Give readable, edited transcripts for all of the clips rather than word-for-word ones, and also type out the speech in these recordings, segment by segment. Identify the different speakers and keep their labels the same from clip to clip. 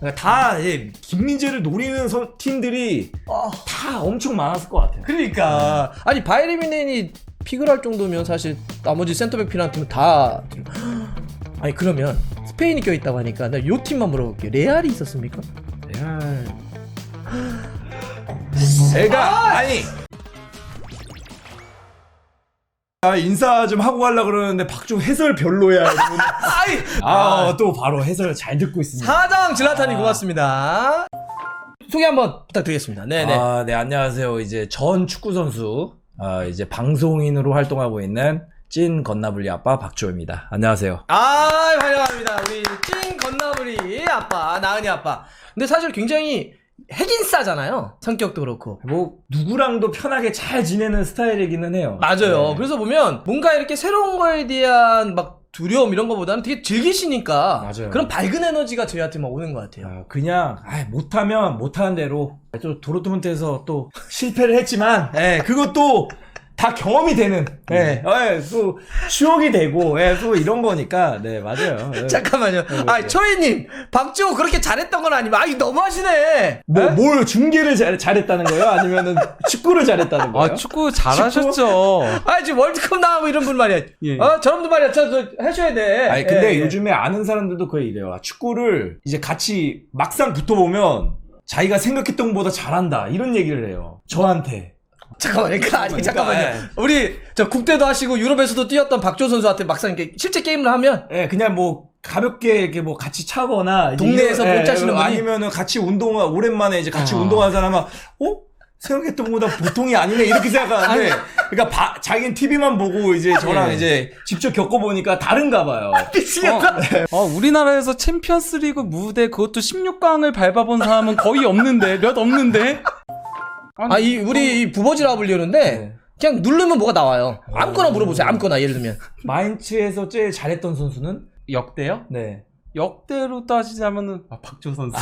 Speaker 1: 그러니까 다 김민재를 노리는 팀들이 다 엄청 많았을 것 같아요.
Speaker 2: 그러니까 아니 바이에른 픽을 할 정도면 사실 나머지 센터백 필요한 팀은 다 아니 그러면 스페인이 껴있다고 하니까 나 요 팀만 물어볼게요. 레알이 있었습니까?
Speaker 1: 레알 제가 아니 인사 좀 하고 가려고 그러는데 박종 해설 별로야. 또 바로 해설 잘 듣고 있습니다.
Speaker 2: 사장 질라탄이 고맙습니다. 소개 한번 부탁드리겠습니다. 네네.
Speaker 1: 네, 안녕하세요. 이제 전 축구 선수, 이제 방송인으로 활동하고 있는 찐 건나블리 아빠 박주호입니다. 안녕하세요.
Speaker 2: 환영합니다. 우리 찐 건나블리 아빠, 나은이 아빠. 근데 사실 굉장히 핵인싸잖아요. 성격도 그렇고.
Speaker 1: 뭐 누구랑도 편하게 잘 지내는 스타일이기는 해요.
Speaker 2: 맞아요.
Speaker 1: 네.
Speaker 2: 그래서 보면 뭔가 이렇게 새로운 거에 대한 막 두려움 이런 거보다는 되게 즐기시니까
Speaker 1: 맞아요.
Speaker 2: 그런 밝은 에너지가 저희한테 막 오는 것 같아요.
Speaker 1: 그냥 못하면 못하는 대로 또 도르트문트에서 또 실패를 했지만 그것도 다 경험이 되는 또 추억이 되고 또 이런 거니까 맞아요.
Speaker 2: 잠깐만요. 초이님 박지호 그렇게 잘했던 건 아니면 너무하시네.
Speaker 1: 뭘 중계를 잘했다는 거예요? 아니면은 축구를 잘했다는 거예요?
Speaker 3: 축구 잘하셨죠.
Speaker 2: 지금 월드컵 나가고 이런 분 말이야.
Speaker 3: 예.
Speaker 2: 저런분 말이야. 저 하셔야 돼.
Speaker 1: 근데 요즘에 아는 사람들도 거의 이래요. 축구를 이제 같이 막상 붙어보면 자기가 생각했던 것보다 잘한다 이런 얘기를 해요. 저한테.
Speaker 2: 잠깐만요. 잠깐만요. 우리 저 국대도 하시고 유럽에서도 뛰었던 박지호 선수한테 막상 이렇게 실제 게임을 하면
Speaker 1: 그냥 뭐 가볍게 이렇게 뭐 같이 차거나
Speaker 2: 동네에서 못 짜시는 분이
Speaker 1: 아니면은 같이 오랜만에 이제 같이 운동하는 사람은 생각했던 것보다 보통이 아니네 이렇게 생각하는데 그러니까 자기는 TV만 보고 이제 저랑 이제 직접 겪어보니까 다른가 봐요.
Speaker 3: 우리나라에서 챔피언스리그 무대 그것도 16강을 밟아본 사람은 거의 없는데 몇 없는데.
Speaker 2: 우리 부버지라 불리는데 그냥 누르면 뭐가 나와요. 아무거나 물어보세요. 아무거나 예를 들면
Speaker 1: 마인츠에서 제일 잘했던 선수는
Speaker 3: 역대요?
Speaker 1: 네.
Speaker 3: 역대로 따지자면은 박주호 선수.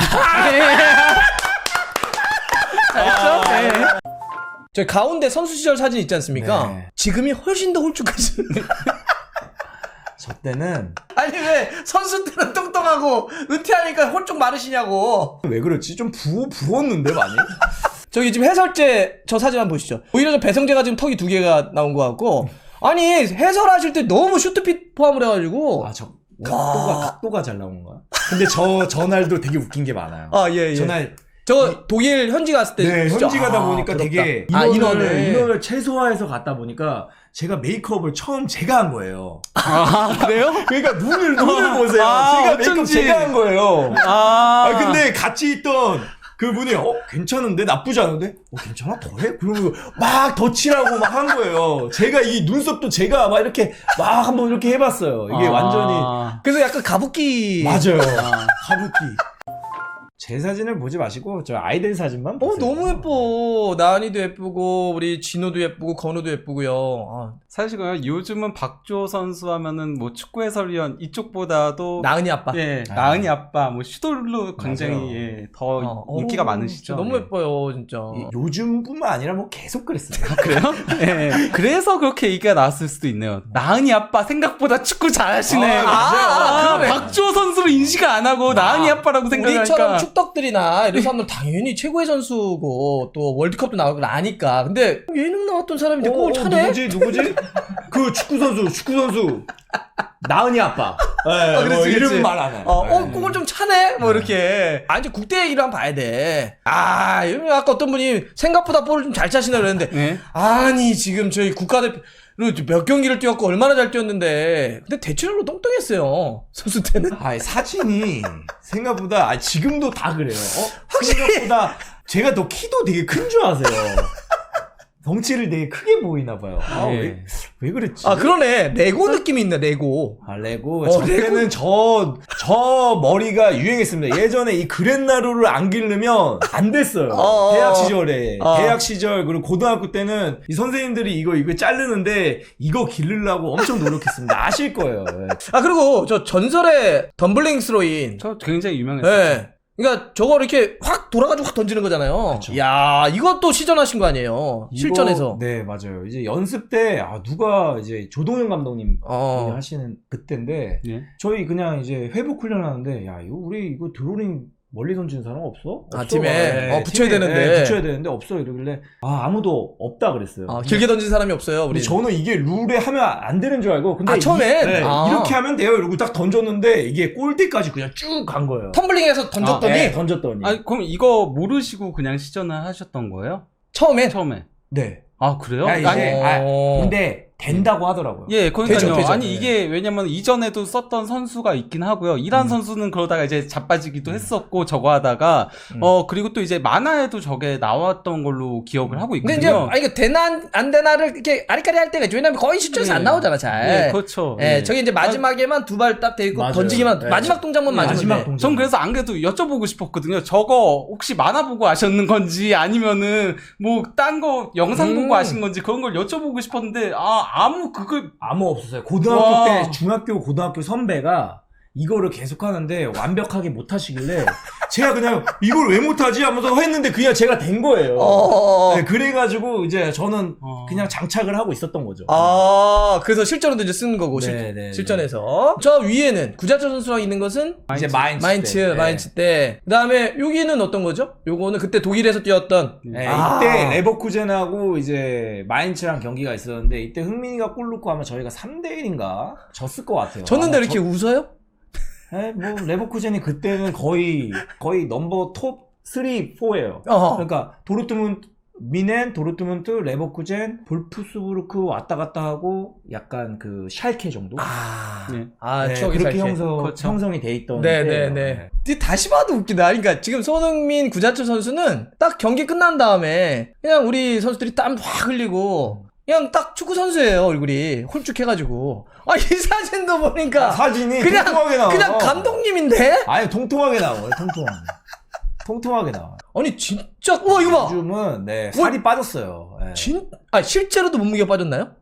Speaker 2: 저 가운데 선수 시절 사진 있지 않습니까?
Speaker 1: 네.
Speaker 2: 지금이 훨씬 더 홀쭉하시네.
Speaker 1: 저 때는
Speaker 2: 왜 선수 때는 뚱뚱하고 은퇴하니까 홀쭉 마르시냐고.
Speaker 1: 왜 그렇지? 좀 부었는데 많이?
Speaker 2: 저기 지금 해설제 저 사진 한번 보시죠. 오히려 저 배성재가 지금 턱이 2개가 나온 것 같고 해설하실 때 너무 슈트핏 포함을 해가지고
Speaker 1: 각도가 잘 나온 거야. 근데 저날도 되게 웃긴 게 많아요. 저날
Speaker 2: 독일 현지 갔을 때
Speaker 1: 현지 가다 보니까
Speaker 2: 부럽다.
Speaker 1: 되게 인원을 최소화해서 갔다 보니까 제가 메이크업을 처음 제가 한 거예요.
Speaker 3: 그래요?
Speaker 1: 그러니까 눈을 보세요. 제가 메이크업 제가 한 거예요. 근데 같이 있던 그분이 괜찮은데? 나쁘지 않은데? 괜찮아? 더해? 그러면 막 더 칠하고 막 한 거예요. 제가 이 눈썹도 제가 막 이렇게 막 한번 이렇게 해봤어요. 이게 완전히.
Speaker 2: 그래서 약간 가부키.
Speaker 1: 맞아요. 가부키. 제 사진을 보지 마시고 저 아이들 사진만 보세요.
Speaker 2: 너무 예뻐. 나은이도 예쁘고 우리 진호도 예쁘고 건우도 예쁘고요.
Speaker 3: 사실 요즘은 박주호 선수 하면은 뭐 축구 해설위원 이쪽보다도
Speaker 2: 나은이 아빠.
Speaker 3: 나은이 아빠 뭐 슈돌로 굉장히 더 인기가 많으시죠.
Speaker 2: 너무 예뻐요, 진짜.
Speaker 1: 요즘뿐만 아니라 뭐 계속 그랬어요.
Speaker 3: 그래요? 그래서 그렇게 얘기가 나왔을 수도 있네요. 나은이 아빠 생각보다 축구 잘하시네. 박주호 선수로 인식 안 하고 나은이 아빠라고 생각하니까.
Speaker 2: 우리처럼 축덕들이나 이런 사람들 당연히 최고의 선수고 또 월드컵도 나오고 아니까. 근데 예능 나왔던 사람인데 골 차네?
Speaker 1: 누구지? 그 축구 선수. 나은이 아빠.
Speaker 2: 그렇지.
Speaker 1: 이름 말 안 해.
Speaker 2: 골 좀 차네? 이렇게. 이제 국대 얘기를 한번 봐야 돼. 아까 어떤 분이 생각보다 볼을 좀 잘 차시나 그랬는데. 지금 저희 국가대표 몇 경기를 뛰었고 얼마나 잘 뛰었는데. 근데 대체적으로 똥똥했어요. 선수 때는.
Speaker 1: 사진이 생각보다, 지금도 다 그래요. 생각보다 제가 더 키도 되게 큰 줄 아세요. 덩치를 되게 크게 보이나 봐요. 왜 그랬지?
Speaker 2: 그러네. 레고 느낌이 있네, 레고.
Speaker 1: 레고. 저 때는 저 머리가 유행했습니다. 예전에 이 그랜나루를 안 기르면 안 됐어요. 대학 시절에. 대학 시절, 그리고 고등학교 때는 이 선생님들이 이거 자르는데 이거 기르려고 엄청 노력했습니다. 아실 거예요.
Speaker 2: 그리고 저 전설의 덤블링 스로인.
Speaker 3: 저 굉장히 유명했어요.
Speaker 2: 그러니까 저거 이렇게 확 돌아가지고 확 던지는 거잖아요.
Speaker 1: 그쵸.
Speaker 2: 야, 이것도 시전하신 거 아니에요? 실전에서.
Speaker 1: 네, 맞아요. 이제 연습 때 누가 이제 조동현 감독님 하시는 그때인데 저희 그냥 이제 회복 훈련하는데 이거 우리 이거 드로링 멀리 던지는 사람 없어?
Speaker 2: 아,
Speaker 1: 없어.
Speaker 2: 팀에? 붙여야
Speaker 1: 팀에,
Speaker 2: 되는데.
Speaker 1: 붙여야 되는데 없어 이러길래 아무도 없다 그랬어요.
Speaker 2: 길게 던진 사람이 없어요, 우리.
Speaker 1: 근데 저는 이게 룰에 하면 안 되는 줄 알고 근데
Speaker 2: 처음엔?
Speaker 1: 이렇게 하면 돼요 이러고 딱 던졌는데 이게 골대까지 그냥 쭉 간 거예요.
Speaker 2: 텀블링해서 던졌더니
Speaker 1: 네, 던졌더니.
Speaker 3: 아, 그럼 이거 모르시고 그냥 시전을 하셨던 거예요?
Speaker 2: 처음에?
Speaker 3: 처음에.
Speaker 1: 네.
Speaker 3: 아, 그래요?
Speaker 1: 아, 이제, 근데 된다고 하더라고요.
Speaker 3: 예, 그러니까요.
Speaker 2: 되죠.
Speaker 3: 아니, 이게 왜냐면 이전에도 썼던 선수가 있긴 하고요. 이란 선수는 그러다가 이제 자빠지기도 했었고, 저거 하다가, 그리고 또 이제 만화에도 저게 나왔던 걸로 기억을 하고
Speaker 2: 근데
Speaker 3: 있거든요.
Speaker 2: 이제 이거 되나 안 되나를 이렇게 아리까리 할 때가 있죠. 왜냐면 거의 시점에서 안 나오잖아, 잘.
Speaker 3: 예, 그렇죠.
Speaker 2: 예, 저게 이제 마지막에만 두 발 딱 대고
Speaker 1: 맞아요.
Speaker 2: 던지기만
Speaker 1: 네.
Speaker 2: 마지막 동작만 맞으면
Speaker 1: 마지막
Speaker 2: 돼.
Speaker 1: 동작.
Speaker 3: 전 그래서 안 그래도 여쭤보고 싶었거든요. 저거 혹시 만화 보고 아셨는 건지 아니면은 뭐 딴 거 영상 보고 아신 건지 그런 걸 여쭤보고 싶었는데 아무 그걸
Speaker 1: 아무 없었어요. 고등학교
Speaker 3: 와.
Speaker 1: 때 중학교 고등학교 선배가 이거를 계속 하는데 완벽하게 못 하시길래 제가 그냥 이걸 왜 못하지 하면서 했는데 그냥 제가 된 거예요. 네, 그래가지고 이제 저는 그냥 장착을 하고 있었던 거죠.
Speaker 2: 그래서 실전으로 이제 쓰는 거고,
Speaker 1: 네.
Speaker 2: 실전에서. 저 위에는 구자철 선수랑 있는 것은
Speaker 1: 이제 마인츠
Speaker 2: 마인츠 때. 그 다음에 여기는 어떤 거죠? 요거는 그때 독일에서 뛰었던.
Speaker 1: 네, 이때 레버쿠젠하고 이제 마인츠랑 경기가 있었는데 이때 흥민이가 골 넣고 아마 저희가 3대1인가 졌을 것 같아요.
Speaker 2: 졌는데 이렇게 웃어요?
Speaker 1: 네, 뭐 레버쿠젠이 그때는 거의 넘버 톱 3, 4예요. 그러니까 도르트문트 미넨, 도르트문트, 레버쿠젠, 볼프스부르크 왔다 갔다 하고 약간 그 샬케 정도.
Speaker 2: 네. 추억이
Speaker 1: 그렇게
Speaker 2: 샬케.
Speaker 1: 형성이 돼 있던.
Speaker 2: 네네네. 다시 봐도 웃기다. 그러니까 지금 손흥민, 구자철 선수는 딱 경기 끝난 다음에 그냥 우리 선수들이 땀 확 흘리고 그냥 딱 축구 선수예요, 얼굴이 홀쭉해가지고. 이 사진도 보니까
Speaker 1: 사진이
Speaker 2: 그냥
Speaker 1: 통통하게 나와.
Speaker 2: 그냥 감독님인데?
Speaker 1: 아니 통통하게 나와요. 통통하게 나와.
Speaker 2: 아니 진짜 이거 봐.
Speaker 1: 요즘은 살이 빠졌어요. 네.
Speaker 2: 실제로도 몸무게가 빠졌나요?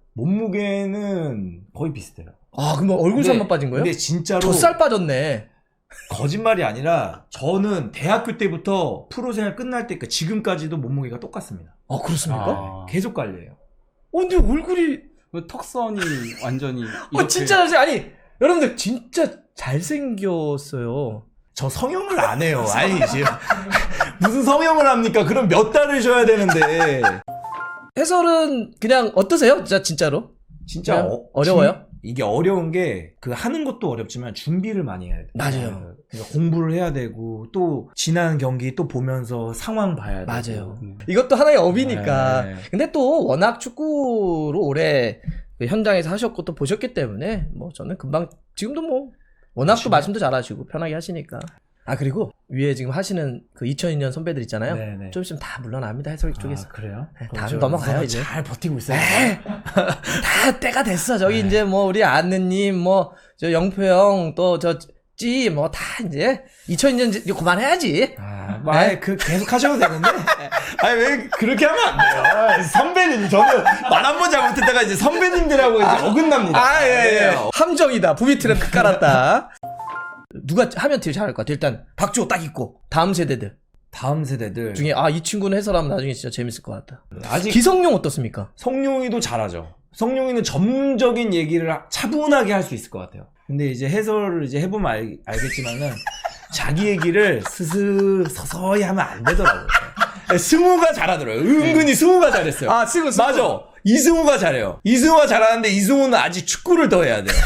Speaker 1: 몸무게는 거의 비슷해요.
Speaker 2: 그럼 얼굴 살만 빠진 거예요?
Speaker 1: 근데 진짜로
Speaker 2: 젖살 빠졌네.
Speaker 1: 거짓말이 아니라 저는 대학교 때부터 프로 생활 끝날 때까지 지금까지도 몸무게가 똑같습니다.
Speaker 2: 그렇습니까?
Speaker 1: 계속 관리해요.
Speaker 2: 근데 얼굴이
Speaker 3: 턱선이 완전히 이렇게
Speaker 2: 진짜 아니 여러분들 진짜 잘생겼어요.
Speaker 1: 저 성형을 안 해요. 아니 지금 무슨 성형을 합니까? 그럼 몇 달을 줘야 되는데.
Speaker 2: 해설은 그냥 어떠세요? 진짜로?
Speaker 1: 진짜
Speaker 2: 어려워요?
Speaker 1: 이게 어려운 게 그 하는 것도 어렵지만 준비를 많이 해야 돼요.
Speaker 2: 맞아요.
Speaker 1: 그러니까 공부를 해야 되고 또 지난 경기 또 보면서 상황 봐야 되고.
Speaker 2: 맞아요. 이것도 하나의 업이니까.
Speaker 1: 네.
Speaker 2: 근데 또 워낙 축구로 오래 그 현장에서 하셨고 또 보셨기 때문에 뭐 저는 금방 지금도 뭐 워낙 또 말씀도 잘하시고 편하게 하시니까. 그리고 위에 지금 하시는 그 2002년 선배들 있잖아요.
Speaker 1: 네네.
Speaker 2: 좀 있으면 다 물러납니다. 해설 쪽에서.
Speaker 1: 그래요?
Speaker 2: 다음 넘어가요 이제.
Speaker 1: 잘 버티고 있어요.
Speaker 2: 다 때가 됐어. 저기 이제 뭐 우리 아느님 뭐 저 영표 형 또 저 찌 뭐 다 이제 2002년 이제 그만해야지.
Speaker 1: 계속 하셔도 되는데. 왜 그렇게 하면 안 돼요. 선배님, 저는 말 한 번 잘못했다가 이제 선배님들하고 이제 어긋납니다.
Speaker 2: 예. 함정이다. 부비트랩 깔았다. 누가 하면 제일 잘할 것 같아. 일단 박주호 딱 있고 다음 세대들 중에 이 친구는 해설하면 나중에 진짜 재밌을 것 같다.
Speaker 1: 아직
Speaker 2: 기성용 어떻습니까?
Speaker 1: 성룡이도 잘하죠. 성룡이는 전문적인 얘기를 차분하게 할 수 있을 것 같아요. 근데 이제 해설을 이제 해보면 알겠지만은 자기 얘기를 서서히 하면 안 되더라고요. 승우가 잘하더라고요. 은근히 승우가 잘했어요.
Speaker 2: 승우.
Speaker 1: 맞아. 이승우가 잘해요. 이승우가 잘하는데 이승우는 아직 축구를 더 해야 돼요.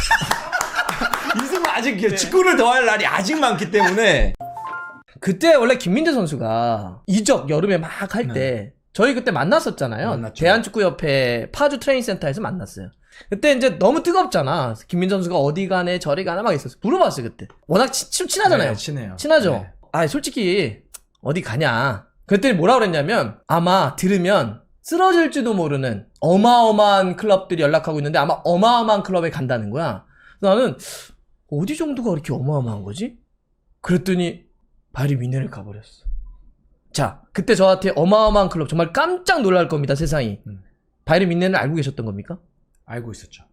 Speaker 1: 이승우 아직 축구를 더 할 날이 아직 많기 때문에.
Speaker 2: 그때 원래 김민재 선수가 이적 여름에 막 할 때 저희 그때 만났었잖아요.
Speaker 1: 만났죠.
Speaker 2: 대한축구협회 파주 트레이닝센터에서 만났어요. 그때 이제 너무 뜨겁잖아. 김민재 선수가 어디 가네 저리 가나 막 있었어. 물어봤어요 그때. 워낙 친하잖아요.
Speaker 1: 네, 친해요.
Speaker 2: 친하죠.
Speaker 1: 네.
Speaker 2: 솔직히 어디 가냐. 그랬더니 뭐라 그랬냐면 아마 들으면 쓰러질지도 모르는 어마어마한 클럽들이 연락하고 있는데 아마 어마어마한 클럽에 간다는 거야. 나는 어디 정도가 그렇게 어마어마한 거지? 그랬더니 바이에른 뮌헨을 가버렸어. 자, 그때 저한테 어마어마한 클럽 정말 깜짝 놀랄 겁니다, 세상이. 바이에른 뮌헨을 알고 계셨던 겁니까?
Speaker 1: 알고 있었죠.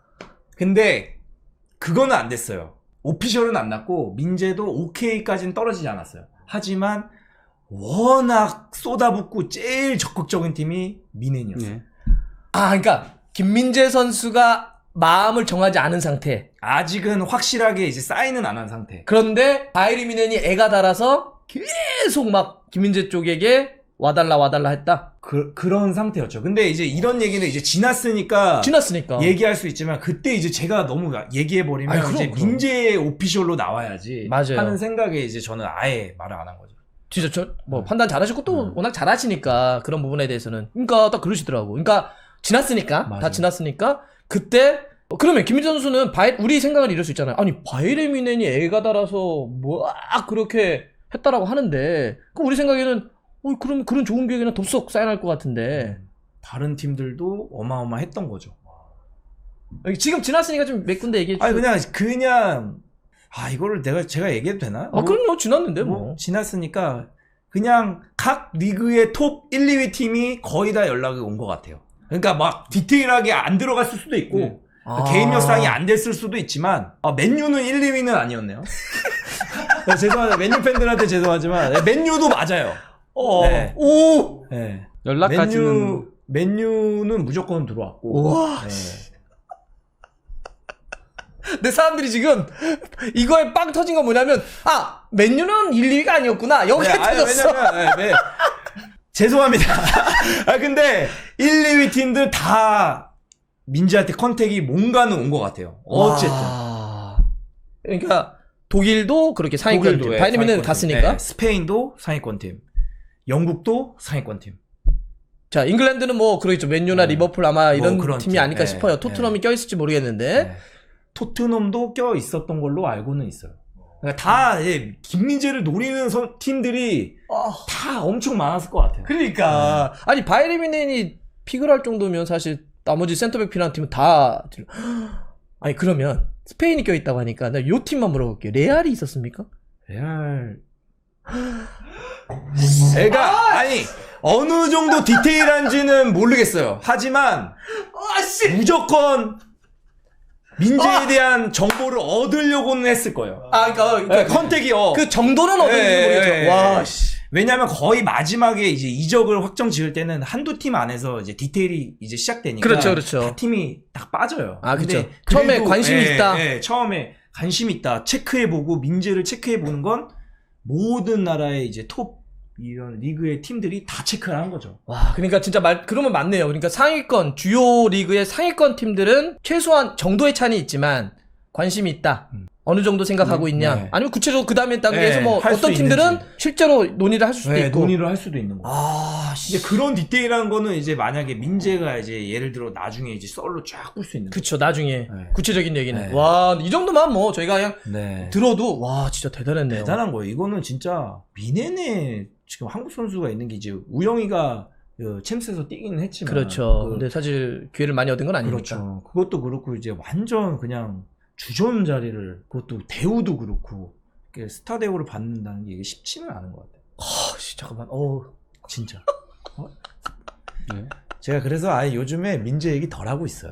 Speaker 1: 근데 그거는 안 됐어요. 오피셜은 안 났고 민재도 오케이까지는 떨어지지 않았어요. 하지만 워낙 쏟아붓고 제일 적극적인 팀이 뮌헨이었어요.
Speaker 2: 그러니까 김민재 선수가 마음을 정하지 않은 상태.
Speaker 1: 아직은 확실하게 이제 사인은 안 한 상태.
Speaker 2: 그런데 바이에른 뮌헨이 애가 달아서 계속 막 김민재 쪽에게 와달라 했다.
Speaker 1: 그런 상태였죠. 근데 이제 이런 얘기는 이제 지났으니까 얘기할 수 있지만 그때 이제 제가 너무 얘기해버리면
Speaker 2: 아니,
Speaker 1: 이제
Speaker 2: 그럼.
Speaker 1: 민재 오피셜로 나와야지
Speaker 2: 맞아요.
Speaker 1: 하는 생각에 이제 저는 아예 말을 안 한 거죠.
Speaker 2: 진짜 판단 잘하시고 또 워낙 잘하시니까 그런 부분에 대해서는 그러니까 딱 그러시더라고. 그러니까 지났으니까
Speaker 1: 맞아요.
Speaker 2: 다 지났으니까 그때 그러면 김민재 선수는 우리 생각을 이럴 수 있잖아요. 아니 바이에른뮌헨이 애가 달아서 막 그렇게 했다라고 하는데 그럼 우리 생각에는 그럼 그런 좋은 기억에는 덥석 쌓여날 것 같은데
Speaker 1: 다른 팀들도 어마어마했던 거죠.
Speaker 2: 지금 지났으니까 좀 몇 군데 얘기해 주세요.
Speaker 1: 아니 그냥 이거를 제가 얘기해도 되나?
Speaker 2: 그럼요. 지났는데 뭐.
Speaker 1: 지났으니까 그냥 각 리그의 톱 1, 2위 팀이 거의 다 연락이 온 것 같아요. 그러니까 막 디테일하게 안 들어갔을 수도 있고 개인 역상이 안 됐을 수도 있지만 맨유는 1, 2위는 아니었네요. 죄송합니다. 맨유 팬들한테 죄송하지만 맨유도 맞아요. 네.
Speaker 2: 오.
Speaker 1: 네.
Speaker 3: 연락까지는
Speaker 1: 맨유는 무조건 들어왔고.
Speaker 2: 와.
Speaker 1: 네.
Speaker 2: 내 사람들이 지금 이거에 빵 터진 건 뭐냐면 맨유는 1, 2위가 아니었구나. 여기에 터졌어.
Speaker 1: 왜냐면 죄송합니다. 근데 1, 2위 팀들 다 민지한테 컨택이 뭔가는 온 것 같아요. 어쨌든.
Speaker 2: 그러니까 독일도 그렇게 상위권 팀. 바이에른뮌헨 갔으니까.
Speaker 1: 네, 스페인도 상위권 팀. 영국도 상위권 팀.
Speaker 2: 자, 잉글랜드는 뭐 그러겠죠. 맨유나 리버풀 아마 이런
Speaker 1: 그런
Speaker 2: 팀이
Speaker 1: 팀.
Speaker 2: 아닐까
Speaker 1: 네,
Speaker 2: 싶어요. 토트넘이 껴있을지 모르겠는데.
Speaker 1: 네. 토트넘도 껴 있었던 걸로 알고는 있어요. 그러니까 다 김민재를 노리는 팀들이 다 엄청 많았을 것 같아요.
Speaker 2: 그러니까 아니 바이에른뮌헨이 픽을 할 정도면 사실 나머지 센터백 필요한 팀은 다 아니 그러면 스페인이 껴있다고 하니까 나 요 팀만 물어볼게요. 레알이 있었습니까?
Speaker 1: 레알 애가 아니 어느 정도 디테일한지는 모르겠어요. 하지만 무조건 민재에 대한 정보를 얻으려고는 했을 거예요.
Speaker 2: 그러니까
Speaker 1: 컨택이
Speaker 2: 그 정도는 얻었는지 모르겠죠. 와 씨.
Speaker 1: 왜냐면 거의 마지막에 이제 이적을 확정 지을 때는 한두 팀 안에서 이제 디테일이 이제 시작되니까
Speaker 2: 그렇죠.
Speaker 1: 다 팀이 딱 빠져요.
Speaker 2: 그렇죠.
Speaker 1: 근데
Speaker 2: 처음에
Speaker 1: 그래도,
Speaker 2: 관심이 있다.
Speaker 1: 처음에 관심 있다. 체크해보고 민재를 체크해보는 건 모든 나라의 이제 톱 이런 리그의 팀들이 다 체크를 한 거죠.
Speaker 2: 와, 그러니까 진짜 그러면 맞네요. 그러니까 상위권, 주요 리그의 상위권 팀들은 최소한 정도의 차이는 있지만 관심이 있다. 어느 정도 생각하고 있냐.
Speaker 1: 네.
Speaker 2: 아니면 구체적으로 그 다음에 단계에서 뭐
Speaker 1: 할
Speaker 2: 어떤
Speaker 1: 수
Speaker 2: 팀들은
Speaker 1: 있는지.
Speaker 2: 실제로 논의를 할 수도 있고.
Speaker 1: 논의를 할 수도 있는 거. 이제 그런 디테일한 거는 이제 만약에 민재가 이제 예를 들어 나중에 이제 썰로 쫙 뿔 수 있는 거.
Speaker 2: 그쵸, 나중에. 구체적인 얘기는.
Speaker 1: 네.
Speaker 2: 와, 이 정도만 뭐 저희가 그냥
Speaker 1: 네.
Speaker 2: 들어도 와, 진짜 대단했네요.
Speaker 1: 대단한 거예요. 이거는 진짜 미네네 지금 한국 선수가 있는 게 이제 우영이가 챔스에서 뛰기는 했지만
Speaker 2: 그렇죠. 근데 사실 기회를 많이 얻은 건 아니니까.
Speaker 1: 그렇죠. 그것도 그렇고 이제 완전 그냥 주전 자리를 그것도 대우도 그렇고 이렇게 스타 대우를 받는다는 게 이게 쉽지는 않은 것 같아요.
Speaker 2: 잠깐만.
Speaker 1: 진짜.
Speaker 3: 네.
Speaker 1: 제가 그래서 요즘에 민재 얘기 덜 하고 있어요.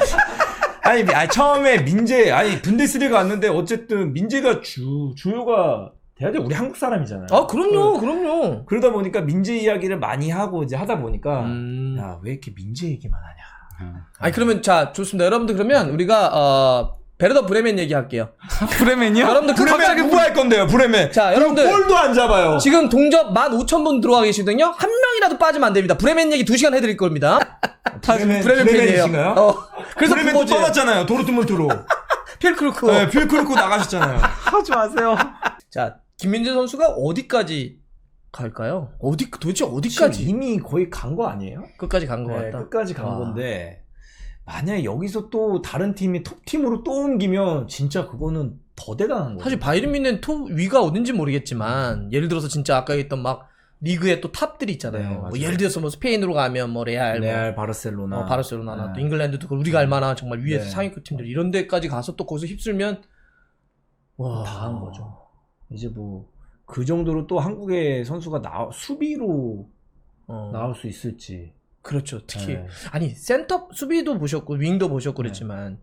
Speaker 1: 아니 처음에 민재 분데스리가 왔는데 어쨌든 민재가 주요가 돼야 돼. 우리 한국 사람이잖아요.
Speaker 2: 그럼요.
Speaker 1: 그러다 보니까 민재 이야기를 많이 하고 이제 하다 보니까 야, 왜 이렇게 민재 얘기만 하냐.
Speaker 2: 아니 그러면 자 좋습니다. 여러분들 그러면 우리가 베르더 브레멘 얘기할게요.
Speaker 3: 브레멘이요?
Speaker 2: 여러분들
Speaker 1: 브레멘 누구 할 건데요? 브레멘.
Speaker 2: 자 여러분들
Speaker 1: 볼도 안 잡아요.
Speaker 2: 지금 동접 15,000분 들어와 계시거든요. 한 명이라도 빠지면 안 됩니다. 브레멘 얘기 2시간 해드릴 겁니다. 브레멘 팬이에요.
Speaker 1: 그래서 브레멘 또 떠났잖아요. 도르트문트로.
Speaker 2: 필크루크.
Speaker 1: 네, 필크루크 나가셨잖아요.
Speaker 3: 하지 마세요.
Speaker 2: 자 김민재 선수가 어디까지 갈까요? 도대체 어디까지?
Speaker 1: 이미 거의 간 거 아니에요?
Speaker 2: 끝까지 간 거 같다.
Speaker 1: 끝까지 간 건데 만약에 여기서 또 다른 팀이 톱팀으로 또 옮기면 진짜 그거는 더 대단한 거예요.
Speaker 2: 사실 바이에른뮌헨 톱 위가 어딘지 모르겠지만 예를 들어서 진짜 아까 했던 막 리그의 또 탑들이 있잖아요.
Speaker 1: 네,
Speaker 2: 뭐 예를 들어서 뭐 스페인으로 가면 뭐 레알,
Speaker 1: 바르셀로나,
Speaker 2: 바르셀로나나 또 잉글랜드도 우리가 알만한 정말 위에서
Speaker 1: 네.
Speaker 2: 상위급 팀들 이런 데까지 가서 또 거기서 휩쓸면 와,
Speaker 1: 다 한 거죠. 이제 뭐 그 정도로 또 한국의 선수가 수비로 나올 수 있을지.
Speaker 2: 그렇죠. 특히
Speaker 1: 네.
Speaker 2: 아니 센터 수비도 보셨고 윙도 보셨고 그랬지만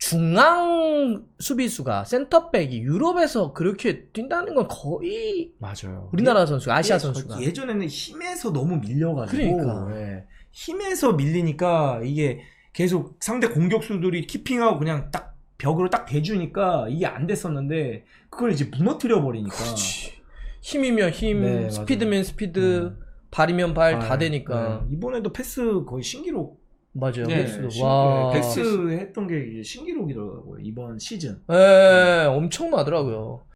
Speaker 2: 중앙 수비수가 센터백이 유럽에서 그렇게 뛴다는 건 거의
Speaker 1: 맞아요.
Speaker 2: 우리나라 선수가 아시아 선수가
Speaker 1: 예전에는 힘에서 너무 밀려가지고
Speaker 2: 그러니까.
Speaker 1: 힘에서 밀리니까 이게 계속 상대 공격수들이 키핑하고 그냥 딱 벽으로 딱 대주니까 이게 안 됐었는데 그걸 이제 무너뜨려 버리니까
Speaker 2: 힘이면 힘,
Speaker 1: 네,
Speaker 2: 스피드면 스피드, 발이면 발 다 되니까.
Speaker 1: 네. 이번에도 패스 거의 신기록.
Speaker 2: 맞아요.
Speaker 3: 네,
Speaker 2: 횟수도. 와.
Speaker 1: 패스 했던 게 이게 신기록이더라고요. 이번 시즌.
Speaker 2: 예, 엄청나더라고요.